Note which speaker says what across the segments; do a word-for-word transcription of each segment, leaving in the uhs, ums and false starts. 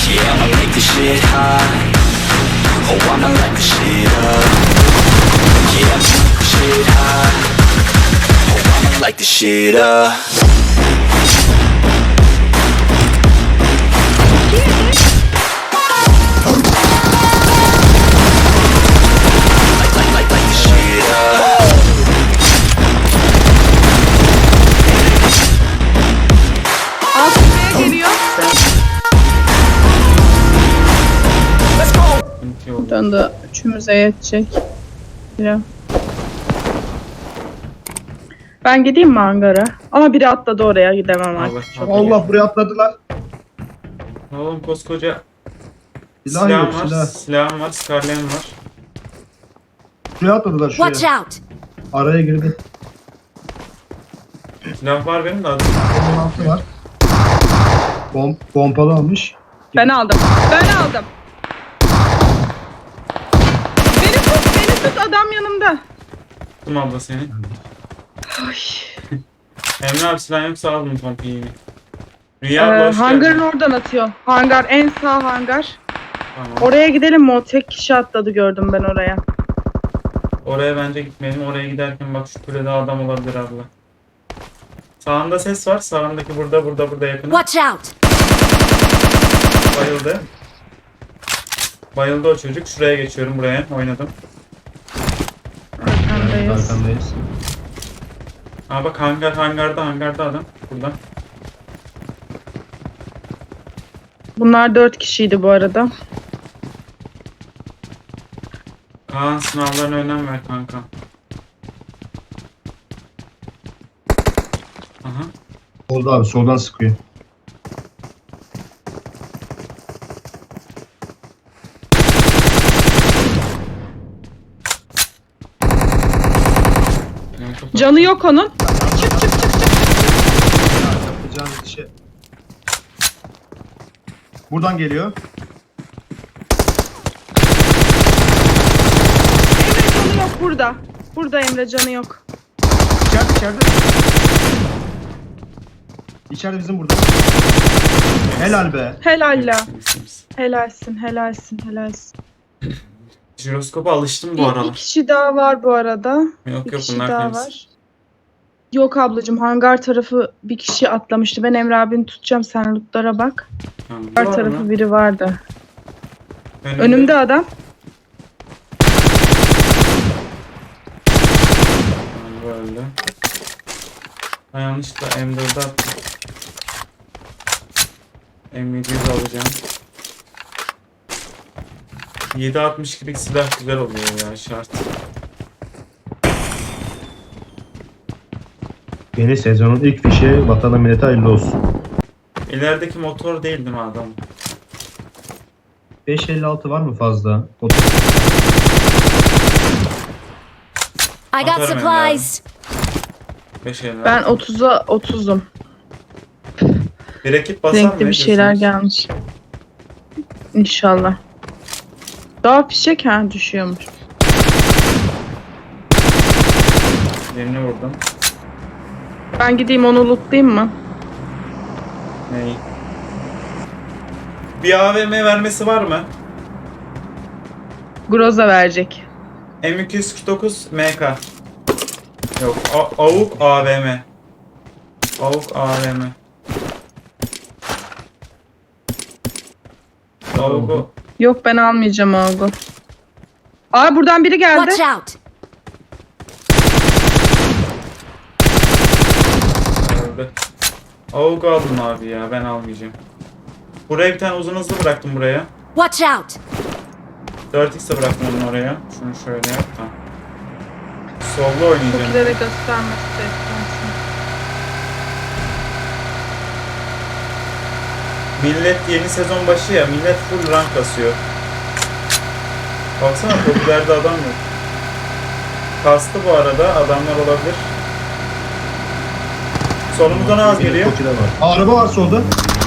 Speaker 1: Yeah, I'ma light this shit high. Oh, I'ma light this shit up. Yeah, I'ma light this shit high. Oh, I'ma light this shit up.
Speaker 2: Altına geliyor. Döndü. Üçümüze yetecek. Ya. Ben gideyim mi hangara? Ama biri atladı oraya, gidemem
Speaker 3: Allah
Speaker 2: artık. Çok
Speaker 3: Allah.
Speaker 2: iyi.
Speaker 4: Allah, buraya atladılar.
Speaker 3: Oğlum koskoca
Speaker 4: Silah
Speaker 3: silahım
Speaker 4: yok,
Speaker 3: var,
Speaker 4: silah.
Speaker 3: silahım var, skarlem var.
Speaker 4: Şuraya atladılar,
Speaker 5: Watch
Speaker 4: şuraya.
Speaker 5: out!
Speaker 4: Araya girdi.
Speaker 3: Silah var benim de adım.
Speaker 4: Onun altı var. Bom pompalı almış.
Speaker 2: Ben aldım. Ben aldım. Beni tut, beni tut, adam yanımda.
Speaker 3: Tuttum abla seni.
Speaker 2: Ay.
Speaker 3: Emre abi silah yoksa aldım pompiyi.
Speaker 2: Ee,
Speaker 3: Rüya abla hoş
Speaker 2: hangarın
Speaker 3: geldin.
Speaker 2: oradan atıyor. Hangar, en sağ hangar.
Speaker 3: Tamam.
Speaker 2: Oraya gidelim mi? O tek kişi atladı, gördüm ben oraya.
Speaker 3: Oraya bence gitmeyelim. Oraya giderken bak şu kulede adam olabilir abla. Sağında ses var. Sağındaki burada, burada, burada yakın.
Speaker 5: Watch out!
Speaker 3: Bayıldı. Bayıldı o çocuk. Şuraya geçiyorum. Buraya oynadım.
Speaker 2: Arkandayız.
Speaker 4: Arkandayız.
Speaker 3: Aa bak hangar, hangarda, hangarda adam. Burada.
Speaker 2: Bunlar dört kişiydi bu arada.
Speaker 3: Kaan sınavlarına önem ver kanka. Aha.
Speaker 4: Solda abi, soldan sıkıyor.
Speaker 3: Yani çok-
Speaker 2: Canı yok onun. Çık çık çık çık.
Speaker 4: Yapacağınız işe. Buradan geliyor.
Speaker 2: Emre canı yok burada. Burada Emre canı yok.
Speaker 4: İçeride, içeride. İçeride bizim burada. Helal be.
Speaker 2: Helal la. Helalsin, helalsin, helalsin.
Speaker 3: Jiroskopa alıştım bu
Speaker 2: Bir, bir
Speaker 3: aralar.
Speaker 2: kişi daha var bu arada.
Speaker 3: Yok
Speaker 2: Bir
Speaker 3: yok
Speaker 2: kişi
Speaker 3: bunlar
Speaker 2: daha
Speaker 3: temiz.
Speaker 2: var. Yok ablacığım, hangar tarafı bir kişi atlamıştı. Ben Emre abini tutacağım, sen lootlara bak.
Speaker 3: Tamam.
Speaker 2: Hangar
Speaker 3: Var
Speaker 2: tarafı
Speaker 3: mı?
Speaker 2: biri vardı.
Speaker 3: Önümde.
Speaker 2: Önümde adam.
Speaker 3: Tamam, bu öldü. Ben yanlışlıkla M dört'e attım. M yedi yüz alacağım. yedi altmış ikilik silah güzel oluyor ya, şart.
Speaker 4: Yeni sezonun ilk fişi vatana millete hayırlı olsun.
Speaker 3: İlerideki motor değil değil mi adam?
Speaker 4: beş elli altı var mı fazla?
Speaker 5: I got
Speaker 3: Atarım
Speaker 5: supplies!
Speaker 3: beş elli.
Speaker 2: Ben otuza otuzum.
Speaker 3: bir ekip basar mı?
Speaker 2: Renkli
Speaker 3: Ne
Speaker 2: bir şeyler
Speaker 3: diyorsunuz?
Speaker 2: gelmiş. İnşallah. Daha fişek ha düşüyormuş.
Speaker 3: Birini vurdum.
Speaker 2: Ben gideyim onu lootlayayım mı?
Speaker 3: Neyi? Bir A V M vermesi var mı?
Speaker 2: Groza verecek.
Speaker 3: M iki yüz kırk dokuz M K. Yok. A- Avuk A V M. Avuk A V M. Avuk'u
Speaker 2: Yok, ben almayacağım Olgu. Aa, buradan biri geldi.
Speaker 5: Watch out!
Speaker 3: öldü. Avuk aldım abi ya, ben almayacağım. Buraya bir tane uzun hızlı bıraktım buraya.
Speaker 5: Watch out!
Speaker 3: dört x'e bıraktım onu oraya. Şunu şöyle yap da. Solda oynayacağım.
Speaker 2: Tokilere göstermesi de istersin.
Speaker 3: Millet yeni sezon başı ya, millet full rank kasıyor. Baksana popülerde adam yok. Kastı bu arada, adamlar olabilir. Solumuzdan az geliyor.
Speaker 4: Tokide var. Aa, araba var solda.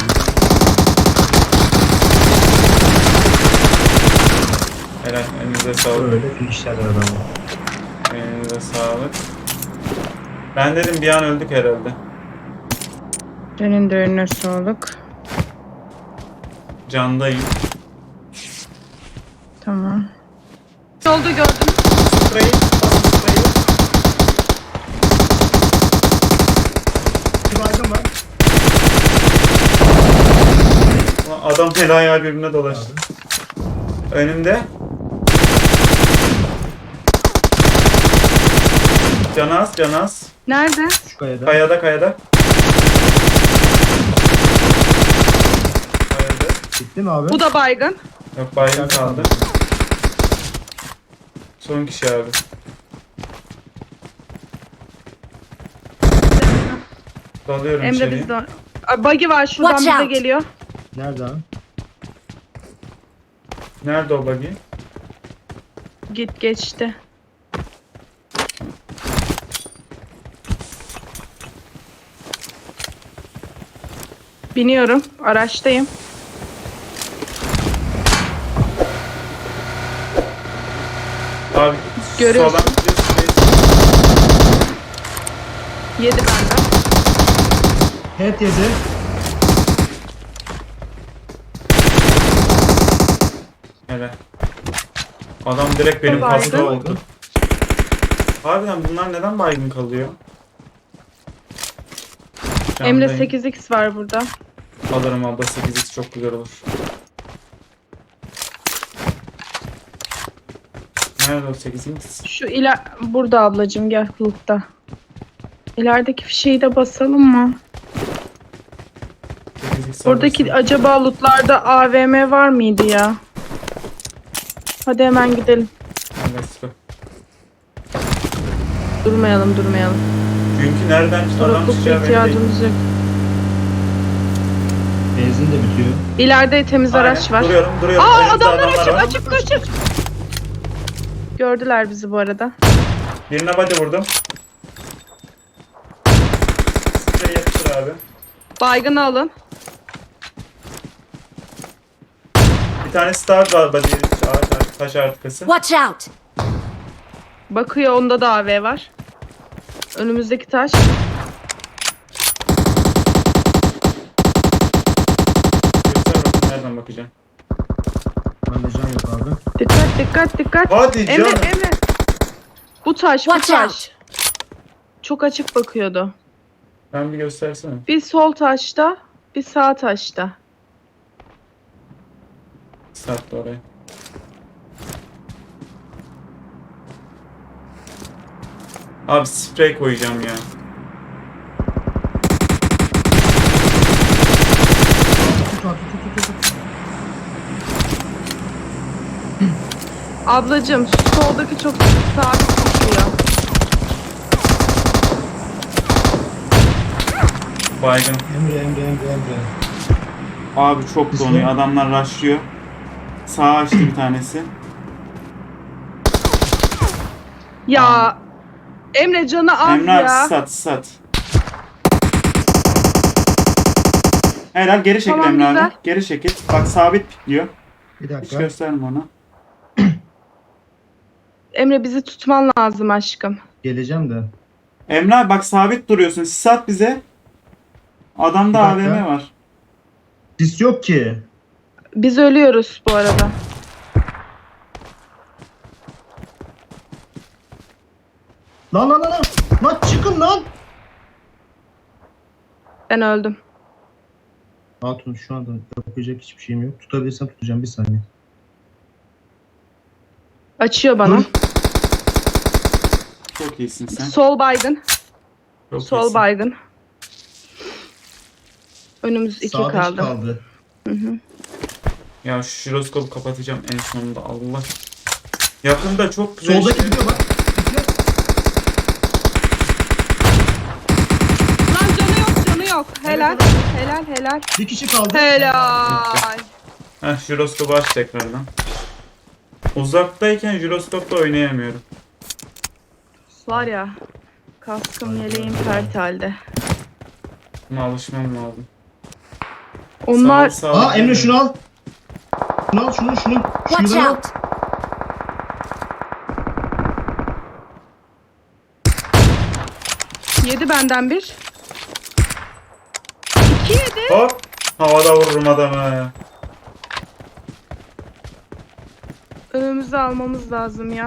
Speaker 3: Helal, elinize sağlık.
Speaker 4: Öyle finişler adamı.
Speaker 3: Elinize sağlık. Ben dedim bir an öldük herhalde.
Speaker 2: Senin de önüne sağlık.
Speaker 3: Candayım.
Speaker 2: Tamam. Yolda gördüm.
Speaker 3: Sprey. Basın spreyi.
Speaker 4: Bir baygın var.
Speaker 3: Ulan adam el ayağı birbirine dolaştı. Önümde. Canaz, Canaz.
Speaker 2: Nerede?
Speaker 4: Şu kayada.
Speaker 3: Kayada, kayada. Kayada.
Speaker 4: Bitti mi abi?
Speaker 2: Bu da baygın.
Speaker 3: Yok, baygın kaldı. Son kişi abi. Dalıyorum
Speaker 2: Emre
Speaker 3: içeriye.
Speaker 2: bizde. Aa, Buggy var şuradan
Speaker 5: Watch
Speaker 2: bize
Speaker 5: out.
Speaker 2: geliyor.
Speaker 4: Nerede abi?
Speaker 3: Nerede o buggy?
Speaker 2: Git geçti. Biniyorum. Araçtayım.
Speaker 3: Abi
Speaker 2: Görüyorsun.
Speaker 3: soldan gidiyorsun.
Speaker 2: Yedi benden.
Speaker 4: Head yedi.
Speaker 3: Hele. Adam direkt benim
Speaker 2: Baygın.
Speaker 3: pasta oldu. Harbiden bunlar neden baygın kalıyor?
Speaker 2: Emre
Speaker 3: Candayım.
Speaker 2: sekiz x var burada.
Speaker 3: Alırım abla, sekiz x çok güzel olur. Nerede o sekiz x?
Speaker 2: Şu iler burada ablacığım, gel kulüpte. İlerideki fişeği de basalım mı?
Speaker 3: sekiz x
Speaker 2: Oradaki
Speaker 3: alırsın.
Speaker 2: acaba lootlarda A V M var mıydı ya? Hadi hemen gidelim.
Speaker 3: Let's go.
Speaker 2: Durmayalım durmayalım.
Speaker 3: Çünkü nereden adam
Speaker 2: Durakluk
Speaker 3: çıkacağı belli değil.
Speaker 2: ihtiyacımız yok.
Speaker 4: Benzin de bitiyor.
Speaker 2: İleride temiz
Speaker 3: Aynen,
Speaker 2: araç var.
Speaker 3: Duruyorum, duruyorum.
Speaker 2: Aa
Speaker 3: Önümüzde
Speaker 2: adamlar açık
Speaker 3: var.
Speaker 2: açık açık. Gördüler bizi bu arada.
Speaker 3: Birine body vurdum. Sprey yapıştır abi.
Speaker 2: Baygını alın.
Speaker 3: Bir tane star var body, ağaç, taş arkası.
Speaker 5: Watch out!
Speaker 2: Bakıyor, onda da A V var. Önümüzdeki taş.
Speaker 3: Göster bakayım nereden bakacağım.
Speaker 4: Bende can yok abi.
Speaker 2: Dikkat dikkat dikkat.
Speaker 3: Hadi
Speaker 2: Emre
Speaker 3: canım.
Speaker 2: Emre. Bu taş bu
Speaker 5: Watch
Speaker 2: taş. Çok açık bakıyordu.
Speaker 3: Ben bir göstersene.
Speaker 2: Bir sol taşta, bir sağ taşta.
Speaker 3: Sattı oraya. Abi sprey koyacağım ya.
Speaker 4: Tut abi tut tut tut. tut.
Speaker 2: Ablacığım şu soldaki çok sabit düşüyor.
Speaker 3: Baygın.
Speaker 4: Emre Emre Emre Emre.
Speaker 3: Abi çok
Speaker 4: İsmi?
Speaker 3: donuyor. Adamlar rushlıyor. Sağa açtı bir tanesi.
Speaker 2: Ya Emre canı az
Speaker 3: Emre abi
Speaker 2: ya.
Speaker 3: sat sat. Helal, geri çekil
Speaker 2: Tamam,
Speaker 3: Emre
Speaker 2: güzel.
Speaker 3: abi. Geri çekil. Bak sabit pikliyor.
Speaker 4: Bir
Speaker 3: Hiç
Speaker 4: dakika.
Speaker 3: gösterme ona.
Speaker 2: Emre bizi tutman lazım aşkım.
Speaker 4: Geleceğim de.
Speaker 3: Emre abi bak sabit duruyorsun. Sis at bize. Adamda
Speaker 4: Bir
Speaker 3: A V
Speaker 4: dakika.
Speaker 3: M var.
Speaker 4: Sis yok ki.
Speaker 2: Biz ölüyoruz bu arada.
Speaker 4: Lan lan lan lan. Lan çıkın lan.
Speaker 2: Ben öldüm.
Speaker 4: Hatun şu anda yapacak hiçbir şeyim yok. Tutabilirsem tutacağım bir saniye.
Speaker 2: Açıyor bana.
Speaker 4: Dur.
Speaker 3: Çok iyisin sen.
Speaker 2: Sol baygın.
Speaker 3: Çok
Speaker 2: Sol
Speaker 3: iyisin.
Speaker 2: baygın. Önümüz iki
Speaker 4: Sağda
Speaker 2: kaldı.
Speaker 4: kaldı.
Speaker 3: Ya şu jiroskopu kapatacağım en sonunda, Allah. Yakında çok güzel
Speaker 4: Soldaki
Speaker 3: şey-
Speaker 4: gidiyor bak. Gidiyor.
Speaker 2: Lan canı yok canı yok. Helal. Helal helal.
Speaker 4: Bir kişi kaldı.
Speaker 2: Helal.
Speaker 3: Heh, jiroskopu aç tekrardan. Uzaktayken jiroskopla oynayamıyorum.
Speaker 2: Var ya. Kaskım yeleğim pert halde.
Speaker 3: Buna alışmam lazım.
Speaker 2: Onlar
Speaker 3: Sağ ol, sağ ol.
Speaker 4: Aa Emre şunu al. Şunu al şunu şunu.
Speaker 5: Watch
Speaker 4: Şunu al.
Speaker 5: out!
Speaker 2: yedi benden bir. İki yedi.
Speaker 3: Hop. Havada vururum adamı.
Speaker 2: Önümüzü almamız lazım ya.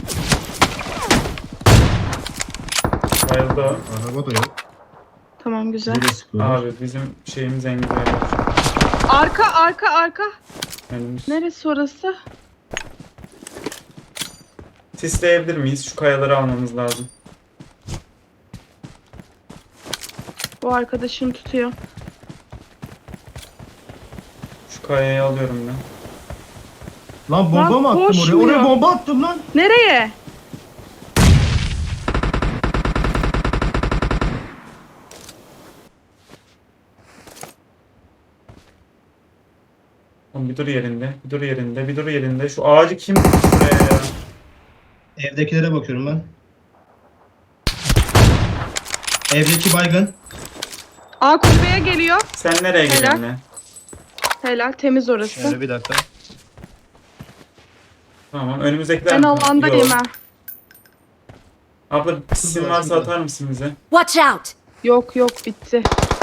Speaker 3: Bayıldı o.
Speaker 4: Araba da yok.
Speaker 2: Tamam güzel.
Speaker 4: Bize de sıkıyorlar.
Speaker 3: Abi bizim şeyimiz en güzel.
Speaker 2: Arka arka arka.
Speaker 3: Önümüz.
Speaker 2: Neresi orası?
Speaker 3: Sisleyebilir miyiz? Şu kayaları almamız lazım.
Speaker 2: Bu arkadaşını tutuyor.
Speaker 3: Şu kayayı alıyorum ben.
Speaker 4: Lan bomba
Speaker 2: Lan
Speaker 4: mı attım oraya?
Speaker 2: koşmuyor.
Speaker 4: Oraya bomba attım lan.
Speaker 2: Nereye?
Speaker 3: Oğlum bir dur yerinde, bir dur yerinde, bir dur yerinde. Şu ağacı kim dikti buraya ya?
Speaker 4: Evdekilere bakıyorum ben. Evdeki baygın.
Speaker 2: Aa kulübeye geliyor.
Speaker 3: Sen nereye
Speaker 2: Helal.
Speaker 3: geliyorsun lan?
Speaker 2: Helal temiz orası.
Speaker 4: Şöyle bir dakika.
Speaker 3: Tamam, önümüzdekiler
Speaker 2: Ben
Speaker 3: mi?
Speaker 2: alandayım
Speaker 3: Yok.
Speaker 2: ha.
Speaker 3: Abla sizin
Speaker 4: Şurada,
Speaker 3: varsa
Speaker 4: şurada.
Speaker 3: atar mısın bize?
Speaker 5: Watch out!
Speaker 2: Yok yok bitti.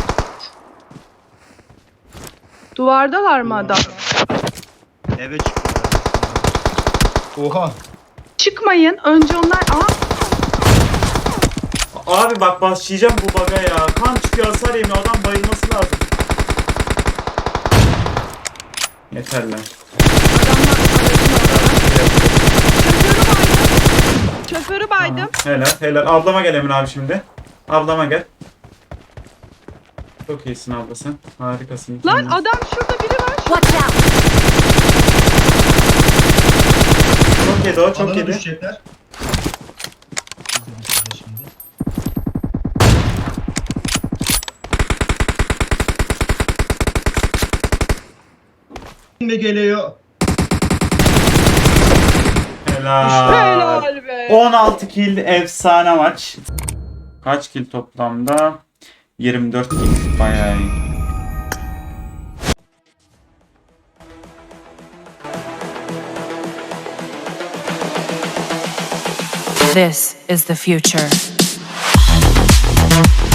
Speaker 2: Duvardalar mı adam?
Speaker 4: Eve çıkıyorlar. Oha.
Speaker 2: Çıkmayın. Önce onlar... Aa
Speaker 3: Abi bak başlayacağım bu baga ya. Kan çıkıyor, hasar yemiyor. Adam bayılması lazım. Yeter lan.
Speaker 2: şoförü baydım.
Speaker 3: Helal, helal. Ablama gel Emin abi şimdi. Ablama gel. Çok iyisin abla sen. Harikasın.
Speaker 2: Lan
Speaker 3: Kendin-
Speaker 2: adam şurada biri var.
Speaker 5: Watch out!
Speaker 3: Çok yedi o, çok
Speaker 4: Alana
Speaker 3: yedi.
Speaker 4: düşecekler. Biz de düşeceğiz şimdi. Şimdi geliyor.
Speaker 3: Helal.
Speaker 2: Helal be.
Speaker 3: on altı kill, efsane maç. Kaç kill toplamda? yirmi dört kill. Bayağı iyi.
Speaker 6: This is the future.